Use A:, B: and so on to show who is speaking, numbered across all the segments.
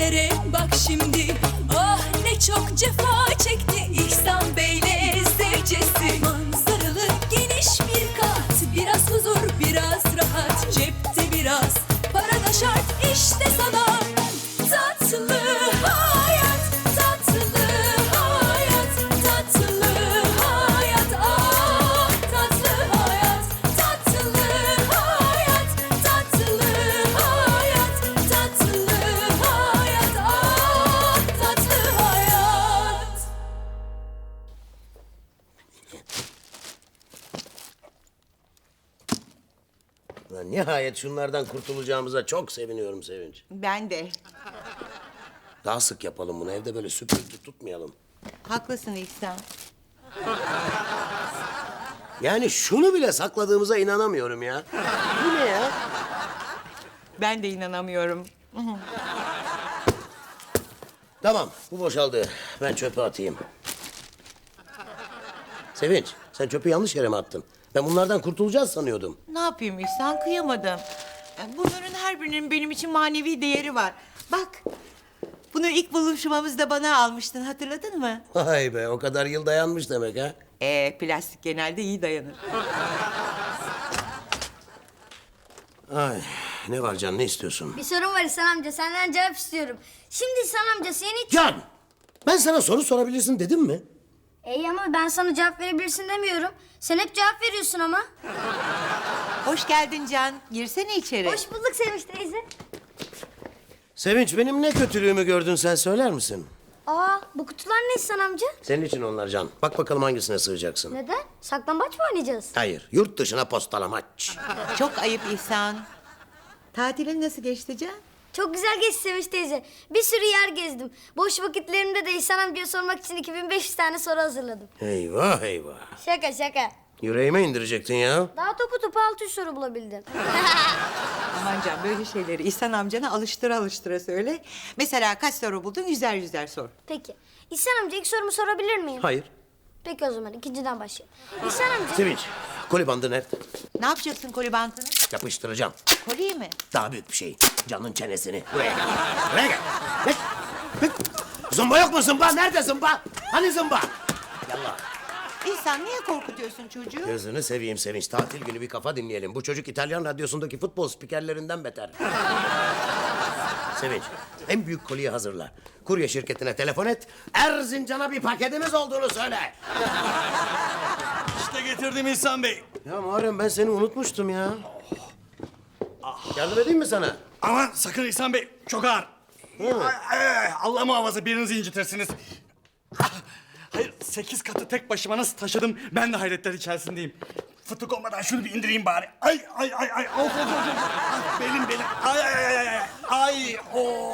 A: ellere bak şimdi. Ah ne çok cefa çekti İhsan Bey'le zevcesi. Manzaralı geniş bir kat, biraz huzur biraz rahat, cepte biraz para da şart işte sana. Tatlı hayat, tatlı hayat, tatlı hayat, ah tatlı hayat, tatlı hayat, tatlı hayat, tatlı hayat, ah tatlı hayat.
B: Lan nihayet şunlardan kurtulacağımıza çok seviniyorum Sevinç.
C: Ben de.
B: Daha sık yapalım bunu. Evde böyle süpürge tutmayalım.
C: Haklısın İhsan.
B: Yani şunu bile sakladığımıza inanamıyorum ya. Bu ne ya?
C: Ben de inanamıyorum.
B: Tamam, bu boşaldı. Ben çöpe atayım. Sevinç, sen çöpü yanlış yere mi attın? Ben bunlardan kurtulacağız sanıyordum.
C: Ne yapayım İhsan, kıyamadım. Bunların her birinin benim için manevi değeri var. Bak, bunu ilk buluşmamızda bana almıştın, hatırladın mı?
B: Vay be, o kadar yıl dayanmış demek ha.
C: Plastik genelde iyi dayanır.
B: Ay, ne var Can, ne istiyorsun?
D: Bir sorun var İhsan amca, senden cevap istiyorum. Şimdi İhsan amca seni...
B: Can, ben sana soru sorabilirsin dedim mi?
D: İyi ama ben sana cevap verebilirsin demiyorum. Sen hep cevap veriyorsun ama.
C: Hoş geldin Can, girsene içeri.
D: Hoş bulduk Sevinç teyze.
B: Sevinç, benim ne kötülüğümü gördün sen söyler misin?
D: Aa, bu kutular ne İhsan amca?
B: Senin için onlar Can. Bak bakalım hangisine sığacaksın.
D: Neden? Saklambaç mı oynayacağız?
B: Hayır, yurt dışına postalamaç.
C: Çok ayıp İhsan. Tatilin nasıl geçti Can?
D: Çok güzel geçti Sevinç teyze. Bir sürü yer gezdim. Boş vakitlerimde de İhsan amcaya sormak için 2500 tane soru hazırladım.
B: Eyvah eyvah.
D: Şaka şaka.
B: Yüreğime indirecektin ya.
D: Daha topu 600 soru bulabildim.
C: Aman Can, böyle şeyleri İhsan amcana alıştıra alıştıra söyle. Mesela kaç soru buldun, yüzer yüzer sor.
D: Peki. İhsan amca ilk sorumu sorabilir miyim?
B: Hayır.
D: Peki o zaman ikinciden başlayalım. İhsan amca...
B: Sevinç, koli bandı nerede?
C: Ne yapacaksın koli bantını?
B: Yapıştıracağım.
C: Koliyi mi?
B: Daha büyük bir şey. Canın çenesini. Buraya gel. Buraya gel. Gel. Gel. Zımba yok mu zımba? Nerede zımba? Hani zımba? Yallah.
C: İhsan, niye korkutuyorsun çocuğu?
B: Gözünü seveyim Sevinç. Tatil günü bir kafa dinleyelim. Bu çocuk İtalyan radyosundaki futbol spikerlerinden beter. Sevinç, en büyük koliyi hazırla. Kurye şirketine telefon et. Erzincan'a bir paketimiz olduğunu söyle.
E: İşte getirdim İhsan Bey.
B: Ya Muharrem, ben seni unutmuştum ya. Yardım edeyim mi sana?
E: Aman sakın İhsan Bey, çok ağır.
B: Değil mi?
E: Allah muhafaza birinizi incitirsiniz. Hayır, 8 katı tek başıma nasıl taşıdım, ben de hayretler içerisindeyim. Fıtık olmadan şunu bir indireyim bari. Ay. Of, of. Ah, belim. Ay. O.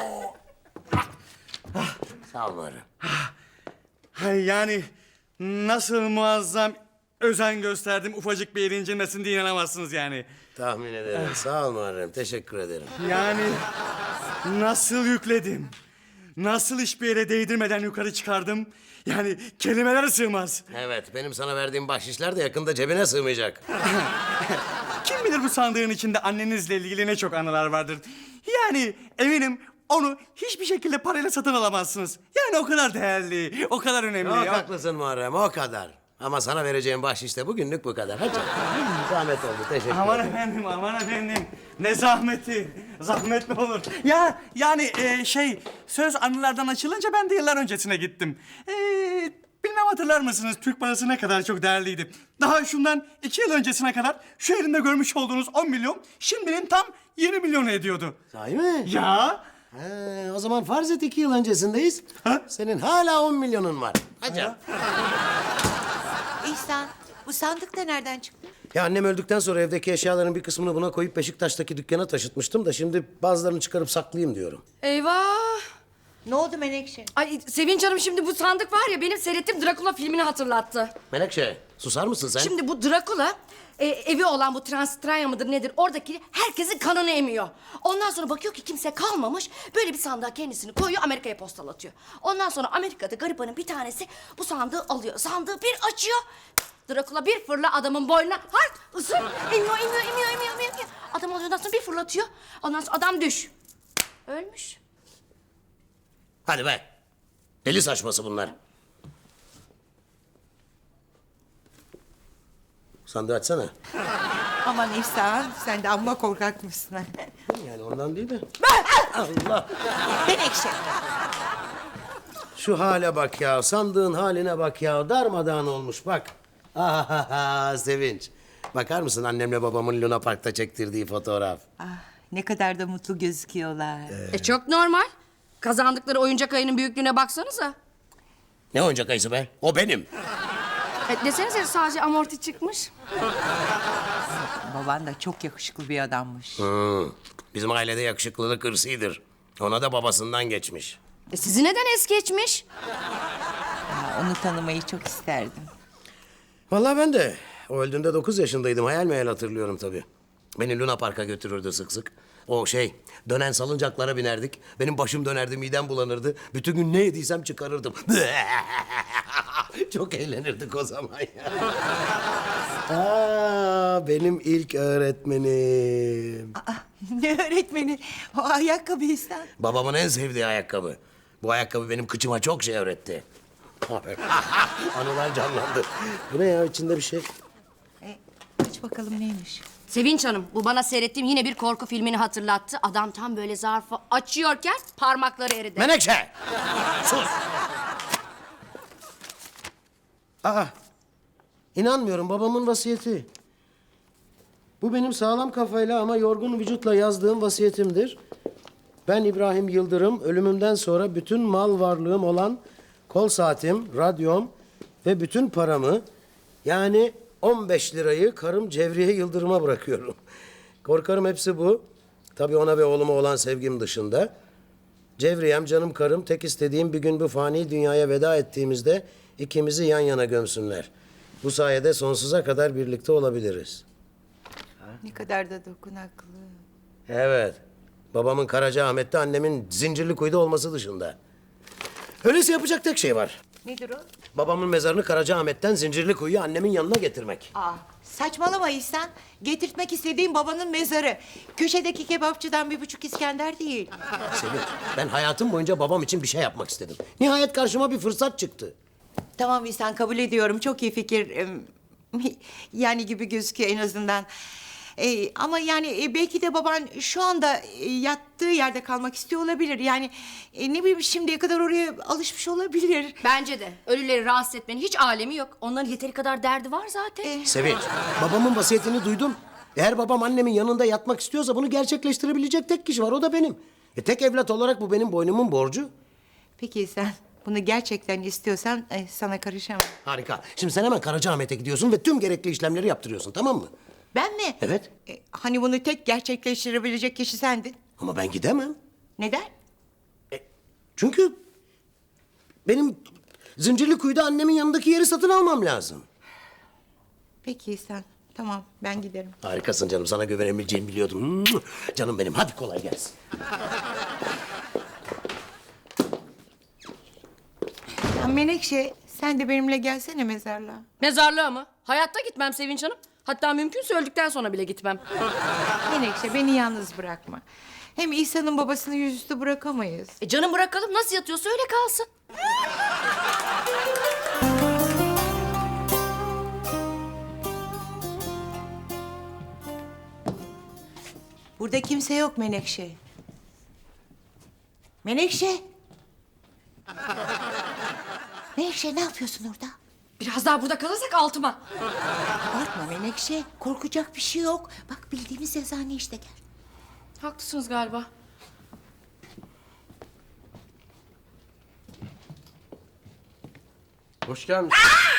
B: Sağ ol Muharrem.
E: Hay yani nasıl muazzam özen gösterdim ufacık bir yerin incinmesin diye inanamazsınız yani.
B: Tahmin ederim. Sağ ol Muharrem. Teşekkür ederim.
E: Yani nasıl yükledim? Nasıl hiçbir yere değdirmeden yukarı çıkardım? Yani kelimeler sığmaz.
B: Evet, benim sana verdiğim bahşişler de yakında cebine sığmayacak.
E: Kim bilir bu sandığın içinde annenizle ilgili ne çok anılar vardır. Yani eminim onu hiçbir şekilde parayla satın alamazsınız. Yani o kadar değerli, o kadar önemli.
B: Çok
E: Ya.
B: haklısın Muharrem, o kadar. Ama sana vereceğim bahşiş de bugünlük bu kadar. Hadi. Zahmet oldu, teşekkür
E: Aman
B: ederim.
E: efendim. Ne zahmeti. Zahmet mi olur? Ya yani söz anılardan açılınca ben de yıllar öncesine gittim. Bilmem hatırlar mısınız Türk parası ne kadar çok değerliydi. Daha şundan 2 yıl öncesine kadar şu elimde görmüş olduğunuz 10 milyon şimdinin tam 20 milyonu ediyordu.
B: Sahi mi?
E: Ya
B: O zaman farz et 2 yıl öncesindeyiz.
E: Ha?
B: Senin hala 10 milyonun var. Hadi.
C: İhsan, bu sandık da nereden çıktı?
B: Ya annem öldükten sonra evdeki eşyaların bir kısmını buna koyup Beşiktaş'taki dükkana taşıtmıştım da şimdi bazılarını çıkarıp saklayayım diyorum.
A: Eyvah!
C: Ne oldu Menekşe?
A: Ay Sevinç Hanım, şimdi bu sandık var ya, benim seyrettiğim Drakula filmini hatırlattı.
B: Menekşe, susar mısın sen?
A: Şimdi bu Drakula evi olan bu Transtranya mıdır nedir, oradaki herkesin kanını emiyor. Ondan sonra bakıyor ki kimse kalmamış, böyle bir sandığa kendisini koyuyor, Amerika'ya postalatıyor. Ondan sonra Amerika'da garibanın bir tanesi bu sandığı alıyor, sandığı bir açıyor. Drakula bir fırla adamın boynuna, hart ısır, emiyor. Adam alıyor, ondan sonra bir fırlatıyor, ondan sonra adam düş. Ölmüş.
B: Hadi be. Deli saçması bunlar. Sandığı açsana.
C: Aman İhsan, sen de amma korkak mısın?
B: Yani ondan değil de. Allah.
C: Menekşe.
B: Şu hale bak ya. Sandığın haline bak ya. Darmadağın olmuş bak. Ahaha Sevinç. Bakar mısın annemle babamın Luna Park'ta çektirdiği fotoğraf?
C: Ah, ne kadar da mutlu gözüküyorlar.
A: Çok normal. Kazandıkları oyuncak ayının büyüklüğüne baksanıza.
B: Ne oyuncak ayısı be? O benim.
A: Desenize sadece amorti çıkmış.
C: Baban da çok yakışıklı bir adammış.
B: Bizim ailede yakışıklılık hırsıdır. Ona da babasından geçmiş.
A: Sizi neden es geçmiş?
C: Ya, onu tanımayı çok isterdim.
B: Vallahi ben de. O öldüğünde 9 yaşındaydım. Hayal meyal hatırlıyorum tabii. Beni Luna Park'a götürürdü sık sık. O dönen salıncaklara binerdik. Benim başım dönerdi, midem bulanırdı. Bütün gün ne yediysem çıkarırdım. Çok eğlenirdik o zaman ya. Benim ilk öğretmenim.
C: Aa, ne öğretmeni? O ayakkabı İhsan.
B: Babamın en sevdiği ayakkabı. Bu ayakkabı benim kıçıma çok şey öğretti. Anılar canlandı. Bu ne ya içinde bir şey?
C: Aç bakalım neymiş?
A: Sevinç Hanım, bu bana seyrettiğim yine bir korku filmini hatırlattı. Adam tam böyle zarfı açıyorken parmakları eridi.
B: Menekşe! Sus! İnanmıyorum babamın vasiyeti. Bu benim sağlam kafayla ama yorgun vücutla yazdığım vasiyetimdir. Ben İbrahim Yıldırım ölümümden sonra bütün mal varlığım olan kol saatim, radyom ve bütün paramı yani 15 lirayı karım Cevriye Yıldırım'a bırakıyorum. Korkarım hepsi bu. Tabii ona ve oğluma olan sevgim dışında. Cevriyem, canım karım, tek istediğim bir gün bu fani dünyaya veda ettiğimizde ikimizi yan yana gömsünler. Bu sayede sonsuza kadar birlikte olabiliriz.
C: Ne kadar da dokunaklı.
B: Evet. Babamın Karacaahmet'te, annemin Zincirlikuyu'da olması dışında. Öyleyse yapacak tek şey var.
C: Nedir o?
B: Babamın mezarını Karacaahmet'ten Zincirlikuyu'ya annemin yanına getirmek.
C: Aa, saçmalama İhsan. Getirtmek istediğim babanın mezarı. Köşedeki kebapçıdan 1,5 İskender değil.
B: Sevinç, ben hayatım boyunca babam için bir şey yapmak istedim. Nihayet karşıma bir fırsat çıktı.
C: Tamam İhsan, kabul ediyorum. Çok iyi fikir. Yani gibi gözüküyor en azından. Ama yani belki de baban şu anda yattığı yerde kalmak istiyor olabilir. Yani ne bileyim şimdiye kadar oraya alışmış olabilir.
A: Bence de. Ölüleri rahatsız etmenin hiç alemi yok. Onların yeteri kadar derdi var zaten.
B: Sevinç, babamın vasiyetini duydum. Eğer babam annemin yanında yatmak istiyorsa bunu gerçekleştirebilecek tek kişi var, o da benim. Tek evlat olarak bu benim boynumun borcu.
C: Peki sen bunu gerçekten istiyorsan sana karışamam.
B: Harika. Şimdi sen hemen Karacaahmet'e gidiyorsun ve tüm gerekli işlemleri yaptırıyorsun, tamam mı?
C: Ben mi?
B: Evet.
C: Hani bunu tek gerçekleştirebilecek kişi sendin.
B: Ama ben gidemem.
C: Neden?
B: Çünkü benim Zincirlikuyu'da annemin yanındaki yeri satın almam lazım.
C: Peki sen. Tamam, ben giderim.
B: Harikasın canım. Sana güvenebileceğimi biliyordum. Canım benim. Hadi kolay gelsin.
C: Ya Menekşe, sen de benimle gelsene mezarlığa.
A: Mezarlığa mı? Hayatta gitmem Sevinç Hanım. Hatta mümkünse öldükten sonra bile gitmem.
C: Menekşe, beni yalnız bırakma. Hem İhsan'ın babasını yüzüstü bırakamayız.
A: Canım bırakalım, nasıl yatıyorsa öyle kalsın.
C: Burada kimse yok Menekşe. Menekşe! Menekşe, ne yapıyorsun orada?
A: Biraz daha burada kalırsak altıma.
C: Korkma Menekşe, korkacak bir şey yok. Bak bildiğimiz eczane işte, gel.
A: Haklısınız galiba.
F: Hoş gelmiş.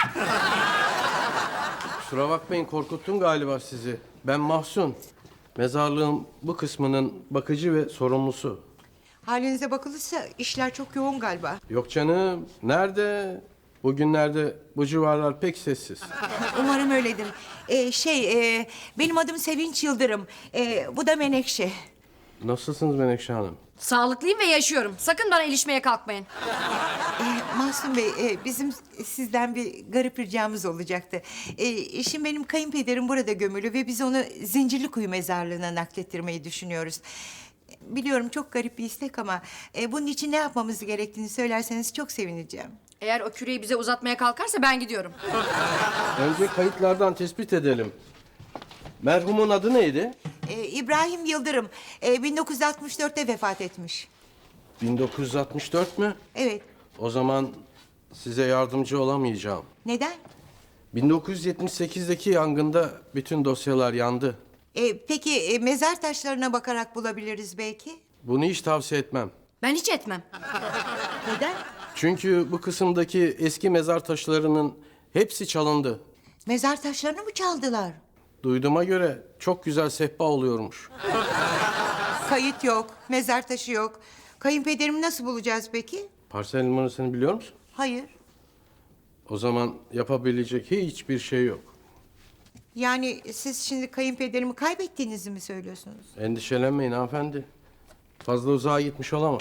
F: Kusura bakmayın, korkuttum galiba sizi. Ben Mahsun. Mezarlığın bu kısmının bakıcı ve sorumlusu.
C: Halinize bakılırsa işler çok yoğun galiba.
F: Yok canım, nerede? Bugünlerde bu civarlar pek sessiz.
C: Umarım öyledir. Benim adım Sevinç Yıldırım. Bu da Menekşe.
F: Nasılsınız Menekşe Hanım?
A: Sağlıklıyım ve yaşıyorum. Sakın bana ilişmeye kalkmayın.
C: Mahsun Bey, bizim sizden bir garip ricamız olacaktı. Şimdi benim kayınpederim burada gömülü ve biz onu Zincirlikuyu mezarlığına naklettirmeyi düşünüyoruz. Biliyorum çok garip bir istek ama bunun için ne yapmamız gerektiğini söylerseniz çok sevineceğim.
A: Eğer o küreyi bize uzatmaya kalkarsa ben gidiyorum.
F: Önce kayıtlardan tespit edelim. Merhumun adı neydi?
C: İbrahim Yıldırım 1964'te vefat etmiş.
F: 1964 mü?
C: Evet.
F: O zaman size yardımcı olamayacağım.
C: Neden?
F: 1978'deki yangında bütün dosyalar yandı.
C: Peki mezar taşlarına bakarak bulabiliriz belki.
F: Bunu hiç tavsiye etmem.
A: Ben hiç etmem.
C: Neden?
F: Çünkü bu kısımdaki eski mezar taşlarının hepsi çalındı.
C: Mezar taşlarını mı çaldılar?
F: Duyduğuma göre çok güzel sehpa oluyormuş.
C: Kayıt yok, mezar taşı yok. Kayınpederimi nasıl bulacağız peki?
F: Parsel numarasını biliyor musun?
C: Hayır.
F: O zaman yapabilecek hiçbir şey yok.
C: Yani siz şimdi kayınpederimi kaybettiğinizi mi söylüyorsunuz?
F: Endişelenmeyin hanımefendi. Fazla uzağa gitmiş olamaz.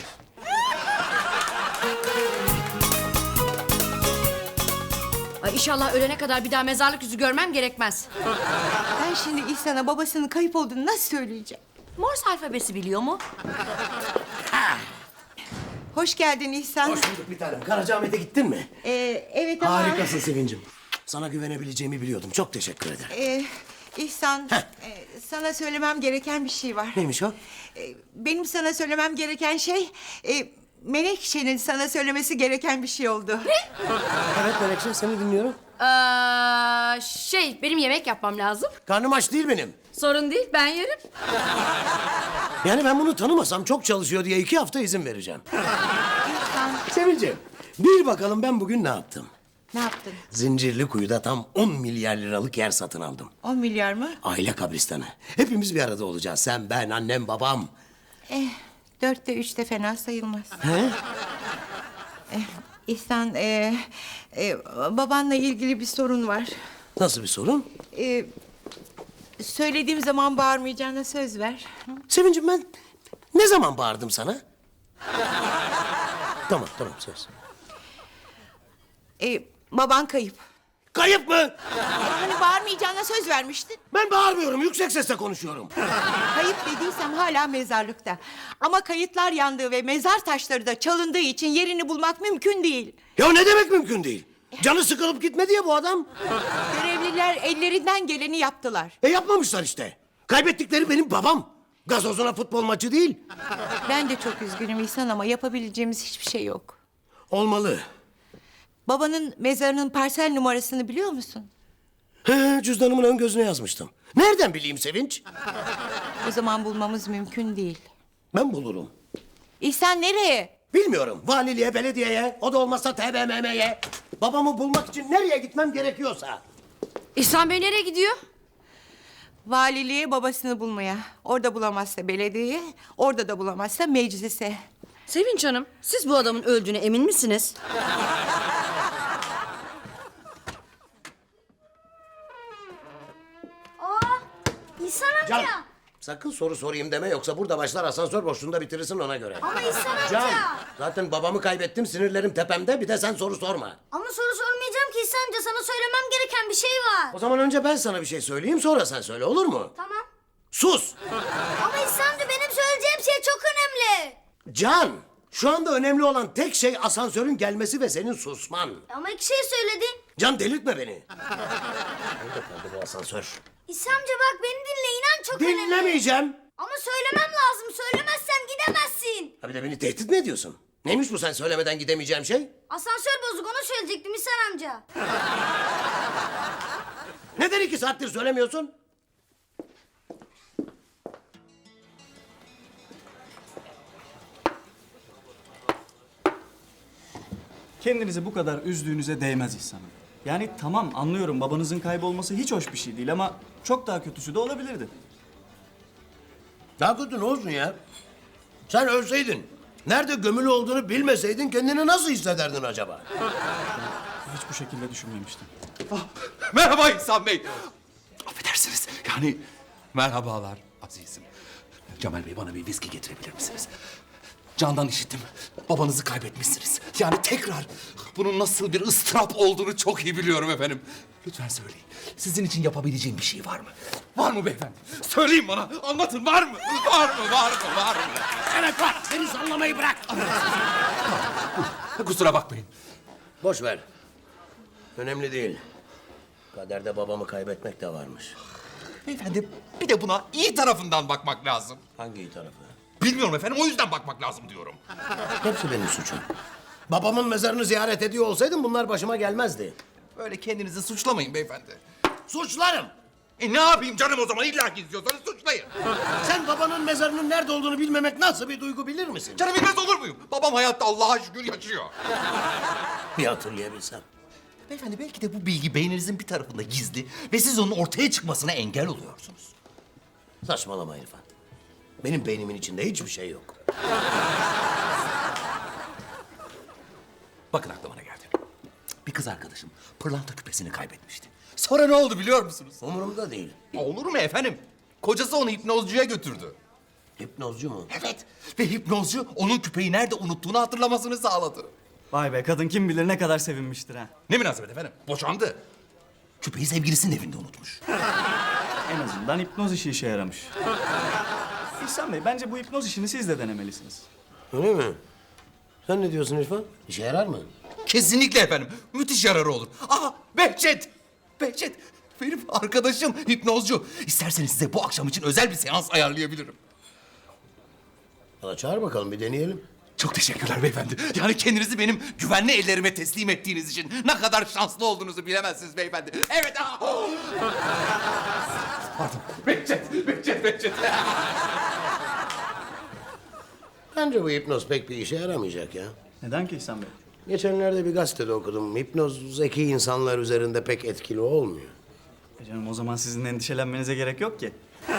A: Ay inşallah ölene kadar bir daha mezarlık yüzü görmem gerekmez.
C: Ben şimdi İhsan'a babasının kayıp olduğunu nasıl söyleyeceğim?
A: Morse alfabesi biliyor mu?
C: Hoş geldin İhsan.
B: Hoş bulduk bir tanem. Karacaahmet'e gittin mi?
C: Evet ama...
B: Harikasın Sevincim. Sana güvenebileceğimi biliyordum. Çok teşekkür ederim.
C: İhsan, sana söylemem gereken bir şey var.
B: Neymiş o?
C: Benim sana söylemem gereken şey... Menekşe'nin sana söylemesi gereken bir şey oldu.
B: Evet Melekşe, seni dinliyorum.
A: Benim yemek yapmam lazım.
B: Karnım aç değil benim.
A: Sorun değil, ben yerim.
B: Yani ben bunu tanımasam çok çalışıyor diye 2 hafta izin vereceğim.
C: İhsan,
B: Sevincim, bil bakalım ben bugün ne yaptım?
C: ne yaptın?
B: Zincirlikuyu'da tam 10 milyar liralık yer satın aldım.
C: 10 milyar mı?
B: Aile kabristanı. Hepimiz bir arada olacağız. Sen, ben, annem, babam.
C: 4'te 3'te fena sayılmaz.
B: He?
C: İhsan, babanla ilgili bir sorun var.
B: Nasıl bir sorun?
C: Söylediğim zaman bağırmayacağına söz ver.
B: Sevincim ben ne zaman bağırdım sana? Tamam söz.
C: Baban kayıp.
B: Kayıp mı?
C: Hani bağırmayacağına söz vermiştin.
B: Ben bağırmıyorum, yüksek sesle konuşuyorum.
C: Kayıp dediysem hala mezarlıkta. Ama kayıtlar yandığı ve mezar taşları da çalındığı için yerini bulmak mümkün değil.
B: Ya ne demek mümkün değil? Canı sıkılıp gitmedi ya bu adam.
C: Görevliler ellerinden geleni yaptılar.
B: Yapmamışlar işte. Kaybettikleri benim babam. Gazozuna futbol maçı değil.
C: Ben de çok üzgünüm İhsan ama yapabileceğimiz hiçbir şey yok.
B: Olmalı.
C: Babanın mezarının parsel numarasını biliyor musun?
B: Cüzdanımın ön gözüne yazmıştım. Nereden bileyim Sevinç?
C: O zaman bulmamız mümkün değil.
B: Ben bulurum.
C: İhsan nereye?
B: Bilmiyorum. Valiliğe, belediyeye, o da olmazsa TBMM'ye. Babamı bulmak için nereye gitmem gerekiyorsa.
A: İhsan Bey nereye gidiyor?
C: Valiliğe babasını bulmaya. Orada bulamazsa belediyeye, orada da bulamazsa meclise.
A: Sevinç Hanım, siz bu adamın öldüğüne emin misiniz?
D: İhsan amca.
B: Can, sakın soru sorayım deme yoksa burada başlar asansör boşluğunda bitirirsin ona göre.
D: Ama İhsan amca.
B: Can, zaten babamı kaybettim sinirlerim tepemde bir de sen soru sorma.
D: Ama soru sormayacağım ki İhsan amca. Sana söylemem gereken bir şey var.
B: O zaman önce ben sana bir şey söyleyeyim sonra sen söyle olur mu?
D: Tamam.
B: Sus!
D: Ama İhsan amca benim söyleyeceğim şey çok önemli.
B: Can, şu anda önemli olan tek şey asansörün gelmesi ve senin susman.
D: Ama 2 şey söyledin.
B: Can delirtme beni. Nerede kaldı bu asansör?
D: İhsan amca bak beni dinle inan çok önemli.
B: Dinlemeyeceğim.
D: Ama söylemem lazım. Söylemezsem gidemezsin.
B: Ha bir de beni tehdit mi ediyorsun? Neymiş bu sen söylemeden gidemeyeceğim şey?
D: Asansör bozuk onu söyleyecektim İhsan amca.
B: Neden 2 saattir söylemiyorsun?
E: Kendinizi bu kadar üzdüğünüze değmez İhsan Bey. Yani tamam anlıyorum babanızın kaybolması hiç hoş bir şey değil ama çok daha kötüsü de olabilirdi.
B: Daha kötü ne olsun ya? Sen ölseydin, nerede gömülü olduğunu bilmeseydin kendini nasıl hissederdin acaba?
E: Hiç bu şekilde düşünmemiştim.
G: Merhaba İhsan Bey. Affedersiniz. Yani merhabalar azizim. Cemal Bey bana bir viski getirebilir misiniz? Candan işittim. Babanızı kaybetmişsiniz. Yani tekrar bunun nasıl bir ıstırap olduğunu çok iyi biliyorum efendim. Lütfen söyleyin. Sizin için yapabileceğim bir şey var mı? Var mı beyefendi? Söyleyin bana. Anlatın, var mı? Var mı? Var mı? Var mı?
B: Evet var. Seni sallamayı bırak.
G: Kusura bakmayın.
B: Boş ver. Önemli değil. Kaderde babamı kaybetmek de varmış.
G: Beyefendi bir de buna iyi tarafından bakmak lazım.
B: Hangi iyi tarafı?
G: Bilmiyorum efendim, o yüzden bakmak lazım diyorum.
B: Hepsi benim suçum. Babamın mezarını ziyaret ediyor olsaydım bunlar başıma gelmezdi.
G: Böyle kendinizi suçlamayın beyefendi.
B: Suçlarım.
G: Ne yapayım canım o zaman? İlla ki istiyorsanız suçlayın.
B: Sen babanın mezarının nerede olduğunu bilmemek nasıl bir duygu bilir misin?
G: Canım bilmez olur muyum? Babam hayatta, Allah'a şükür yaşıyor.
B: Bir hatırlayabilsem.
G: Beyefendi belki de bu bilgi beyninizin bir tarafında gizli ve siz onun ortaya çıkmasına engel oluyorsunuz.
B: Saçmalama İrfan. Benim beynimin içinde hiçbir şey yok.
G: Bakın aklıma ne geldi. Bir kız arkadaşım pırlanta küpesini kaybetmişti. Sonra ne oldu biliyor musunuz?
B: Umurumda değil.
G: Olur mu efendim? Kocası onu hipnozcuya götürdü.
B: Hipnozcu mu?
G: Evet. Ve hipnozcu onun küpeyi nerede unuttuğunu hatırlamasını sağladı.
E: Vay be, kadın kim bilir ne kadar sevinmiştir ha.
G: Ne münasebet efendim? Boşandı. Küpeyi sevgilisinin evinde unutmuş.
E: En azından hipnoz işe yaramış. İhsan Bey, bence bu hipnoz işini siz de denemelisiniz.
B: Öyle mi? Sen ne diyorsun İrfan? İşe yarar mı?
G: Kesinlikle efendim. Müthiş yararı olur. Aa, Behçet! Behçet! Benim arkadaşım hipnozcu. İsterseniz size bu akşam için özel bir seans ayarlayabilirim.
B: Valla çağır bakalım bir deneyelim.
G: Çok teşekkürler beyefendi. Yani kendinizi benim güvenli ellerime teslim ettiğiniz için ne kadar şanslı olduğunuzu bilemezsiniz beyefendi. Evet. Pardon. Behçet.
B: Bence bu hipnoz pek bir işe yaramayacak ya.
E: Neden ki İhsan Bey?
B: Geçenlerde bir gazetede okudum. Hipnoz zeki insanlar üzerinde pek etkili olmuyor.
E: Canım o zaman sizin endişelenmenize gerek yok ki.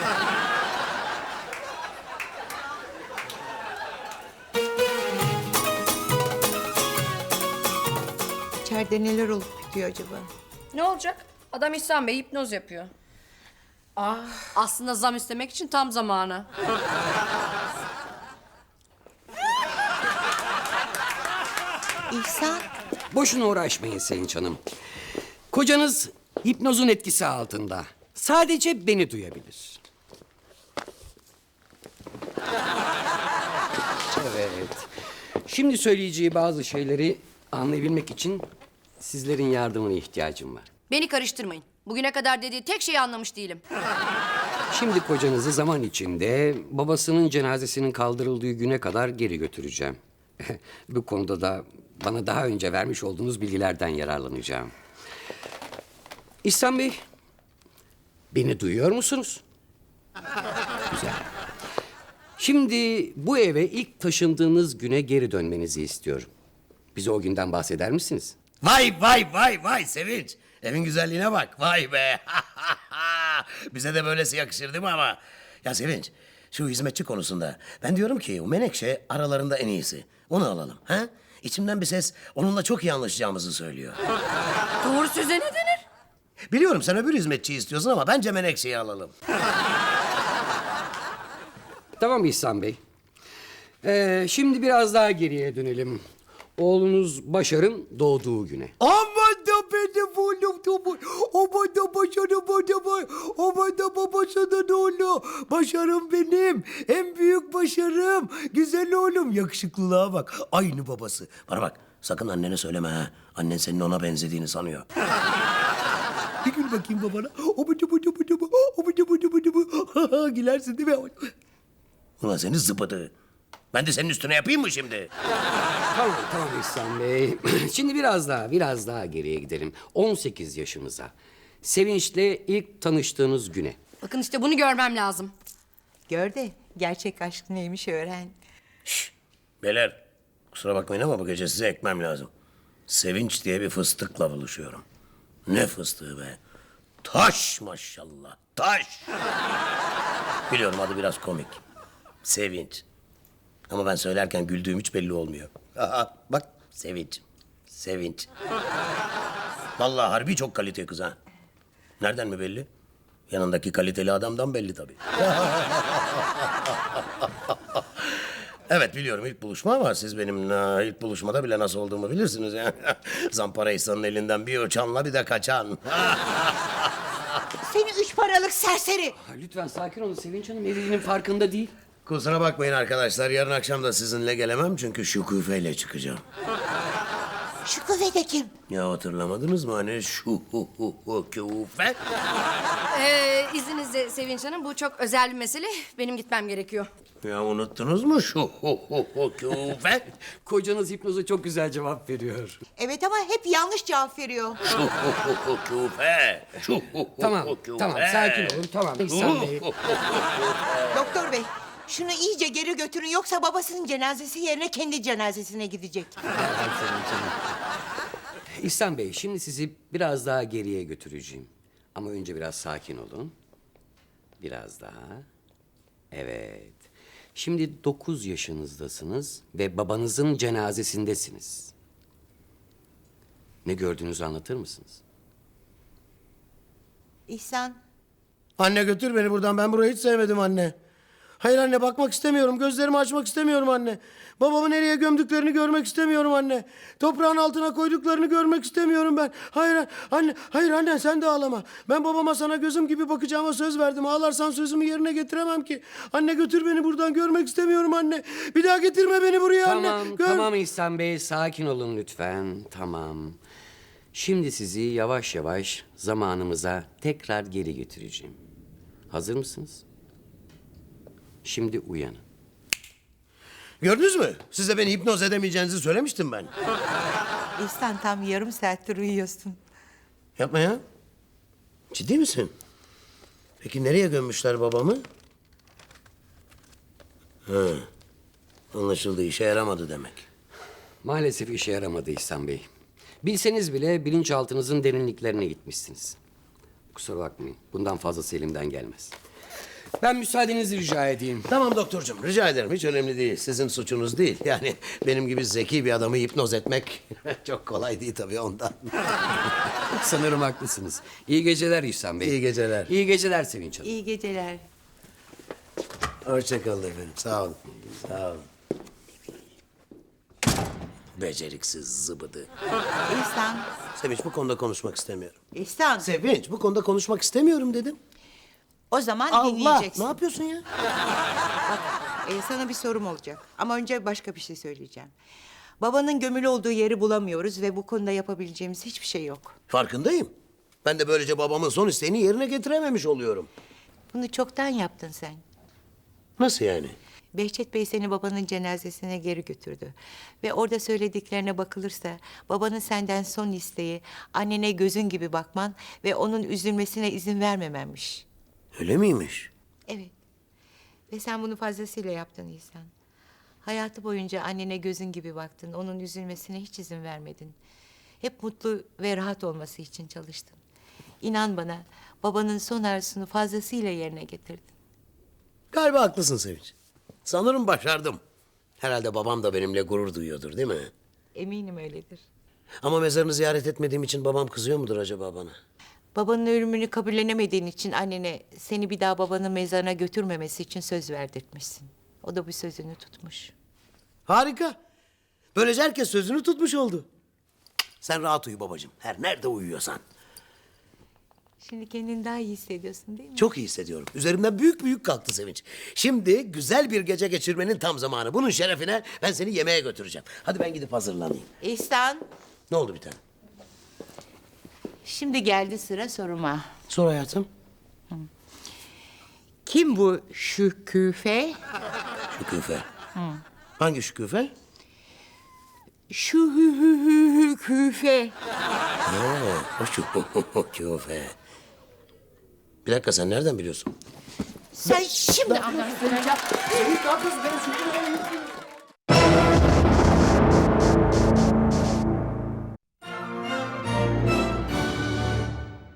C: İçeride neler olup bitiyor acaba?
A: Ne olacak? Adam İhsan Bey hipnoz yapıyor. Aslında zam istemek için tam zamanı.
C: İhsan,
H: Boşuna uğraşmayın Sevinç Hanım. Kocanız hipnozun etkisi altında. Sadece beni duyabilir. Evet. Şimdi söyleyeceği bazı şeyleri anlayabilmek için sizlerin yardımına ihtiyacım var.
A: Beni karıştırmayın. Bugüne kadar dediği tek şeyi anlamış değilim.
H: Şimdi kocanızı zaman içinde babasının cenazesinin kaldırıldığı güne kadar geri götüreceğim. Bu konuda da bana daha önce vermiş olduğunuz bilgilerden yararlanacağım. İhsan Bey, beni duyuyor musunuz? Güzel. Şimdi bu eve ilk taşındığınız güne geri dönmenizi istiyorum. Bize o günden bahseder misiniz?
B: Vay Sevinç. Evin güzelliğine bak. Vay be. Bize de böylesi yakışır değil mi ama? Ya Sevinç, şu hizmetçi konusunda ben diyorum ki o Menekşe aralarında en iyisi. Onu alalım. Ha? İçimden bir ses onunla çok iyi anlaşacağımızı söylüyor.
A: Doğru söze ne denir?
B: Biliyorum sen öbür hizmetçiyi istiyorsun ama bence Menekşe'yi alalım.
H: Tamam İhsan Bey. Şimdi biraz daha geriye dönelim. Oğlunuz Başar'ın doğduğu güne.
B: Aman da benim oğlum da aman da Başar'ım aman da babasının oğlu. Başar'ım benim. En büyük başarım. Güzel oğlum. Yakışıklılığa bak. Aynı babası. Bana bak. Sakın annene söyleme ha. Annen senin ona benzediğini sanıyor. Bir gül bakayım babana. Gülersin değil mi? Ulan seni zıbıdı. Ben de senin üstüne yapayım mı şimdi?
H: Tamam İhsan Bey. Şimdi biraz daha geriye gidelim. 18 yaşımıza. Sevinç'le ilk tanıştığınız güne.
A: Bakın işte bunu görmem lazım.
C: gör de gerçek aşk neymiş öğren.
B: Beyler, kusura bakmayın ama bu gece size ekmem lazım. Sevinç diye bir fıstıkla buluşuyorum. Ne fıstığı be? Taş maşallah, taş. Biliyorum adı biraz komik. Sevinç. Ama ben söylerken güldüğüm hiç belli olmuyor. Aha, bak Sevinç, Sevinç. Vallahi harbi çok kalite kız ha. Nereden mi belli? Yanındaki kaliteli adamdan belli tabii. Evet biliyorum ilk buluşma ama siz benim ilk buluşmada bile nasıl olduğumu bilirsiniz ya. Zampara İhsan'ın elinden bir uçanla bir de kaçan.
C: Seni üç paralık serseri.
H: Ha, lütfen sakin olun. Sevinç Hanım evliliğinin farkında değil.
B: Kusura bakmayın arkadaşlar yarın akşam da sizinle gelemem çünkü Şükufe'yle çıkacağım.
C: Şu kuvvete kim?
B: Ya hatırlamadınız mı hani Şüküfe?
A: İzninizle Sevinç Hanım, bu çok özel bir mesele. Benim gitmem gerekiyor.
B: Ya unuttunuz mu Şüküfe?
H: Kocanız hipnoza çok güzel cevap veriyor.
C: Evet ama hep yanlış cevap veriyor.
B: Şüküfe.
H: Tamam, tamam. Sakin olun. Tamam. İhsan Bey.
C: Doktor bey, şunu iyice geri götürün yoksa babasının cenazesi yerine kendi cenazesine gidecek.
H: İhsan Bey, şimdi sizi biraz daha geriye götüreceğim. Ama önce biraz sakin olun. Biraz daha. Evet. Şimdi 9 yaşınızdasınız ve babanızın cenazesindesiniz. Ne gördüğünüzü anlatır mısınız?
C: İhsan,
B: Anne götür beni buradan. Ben burayı hiç sevmedim anne. Hayır anne bakmak istemiyorum. Gözlerimi açmak istemiyorum anne. Babamı nereye gömdüklerini görmek istemiyorum anne. Toprağın altına koyduklarını görmek istemiyorum ben. Hayır anne, hayır anne sen de ağlama. Ben babama sana gözüm gibi bakacağıma söz verdim. Ağlarsan sözümü yerine getiremem ki. Anne götür beni buradan görmek istemiyorum anne. Bir daha getirme beni buraya anne.
H: Tamam, tamam İhsan Bey. Sakin olun lütfen. Tamam. Şimdi sizi yavaş yavaş zamanımıza tekrar geri götüreceğim. Hazır mısınız? Şimdi uyanın.
B: Gördünüz mü? Size beni hipnoz edemeyeceğinizi söylemiştim ben.
C: İhsan tam yarım saattir uyuyorsun.
B: Yapma ya. Ciddi misin? Peki nereye gömmüşler babamı? Ha. Anlaşıldı işe yaramadı demek.
H: Maalesef işe yaramadı İhsan Bey. Bilseniz bile bilinçaltınızın derinliklerine gitmişsiniz. Kusura bakmayın. Bundan fazlası elimden gelmez. Ben müsaadenizi rica edeyim.
B: Tamam doktorcuğum rica ederim hiç önemli değil. Sizin suçunuz değil. Yani benim gibi zeki bir adamı hipnoz etmek çok kolay değil tabii ondan.
H: Sanırım haklısınız. İyi geceler İhsan Bey.
B: İyi geceler.
H: İyi geceler Sevinç Hanım.
C: İyi geceler.
B: Hoşça kalın efendim sağ olun. Sağ olun. Beceriksiz zıbıdı.
C: İhsan,
B: Sevinç bu konuda konuşmak istemiyorum.
C: İhsan.
B: Sevinç bu konuda konuşmak istemiyorum dedim.
C: O zaman
B: Allah
C: dinleyeceksin.
B: ne yapıyorsun ya?
C: Sana bir sorum olacak. Ama önce başka bir şey söyleyeceğim. Babanın gömülü olduğu yeri bulamıyoruz ve bu konuda yapabileceğimiz hiçbir şey yok.
B: Farkındayım. Ben de böylece babamın son isteğini yerine getirememiş oluyorum.
C: Bunu çoktan yaptın sen.
B: Nasıl yani?
C: Behçet Bey seni babanın cenazesine geri götürdü. Ve orada söylediklerine bakılırsa babanın senden son isteği annene gözün gibi bakman ve onun üzülmesine izin vermemenmiş.
B: Öyle miymiş?
C: Evet. Ve sen bunu fazlasıyla yaptın İhsan. Hayatı boyunca annene gözün gibi baktın. Onun üzülmesine hiç izin vermedin. Hep mutlu ve rahat olması için çalıştın. İnan bana babanın son arzusunu fazlasıyla yerine getirdin.
B: Galiba haklısın Sevinç. Sanırım başardım. Herhalde babam da benimle gurur duyuyordur değil mi?
C: Eminim öyledir.
B: Ama mezarını ziyaret etmediğim için babam kızıyor mudur acaba bana?
C: Babanın ölümünü kabullenemediğin için annene seni bir daha babanın mezarına götürmemesi için söz verdirtmişsin. O da bu sözünü tutmuş.
B: Harika. Böylece herkes sözünü tutmuş oldu. Sen rahat uyu babacığım. Her nerede uyuyorsan.
C: Şimdi kendini daha iyi hissediyorsun değil mi?
B: Çok iyi hissediyorum. Üzerimden büyük büyük kalktı Sevinç. Şimdi güzel bir gece geçirmenin tam zamanı. Bunun şerefine ben seni yemeğe götüreceğim. Hadi ben gidip hazırlanayım.
C: İhsan,
B: Ne oldu bir tane?
C: şimdi geldi sıra soruma.
B: Sor hayatım.
C: Kim bu Şüküfe?
B: Şüküfe. Hangi Şüküfe?
C: Şüküfe.
B: O Şüküfe. Bir dakika sen nereden biliyorsun?
C: Sen şimdi anlarsın.
B: Sevinç ne yapıyorsun? Benim Şüküfe.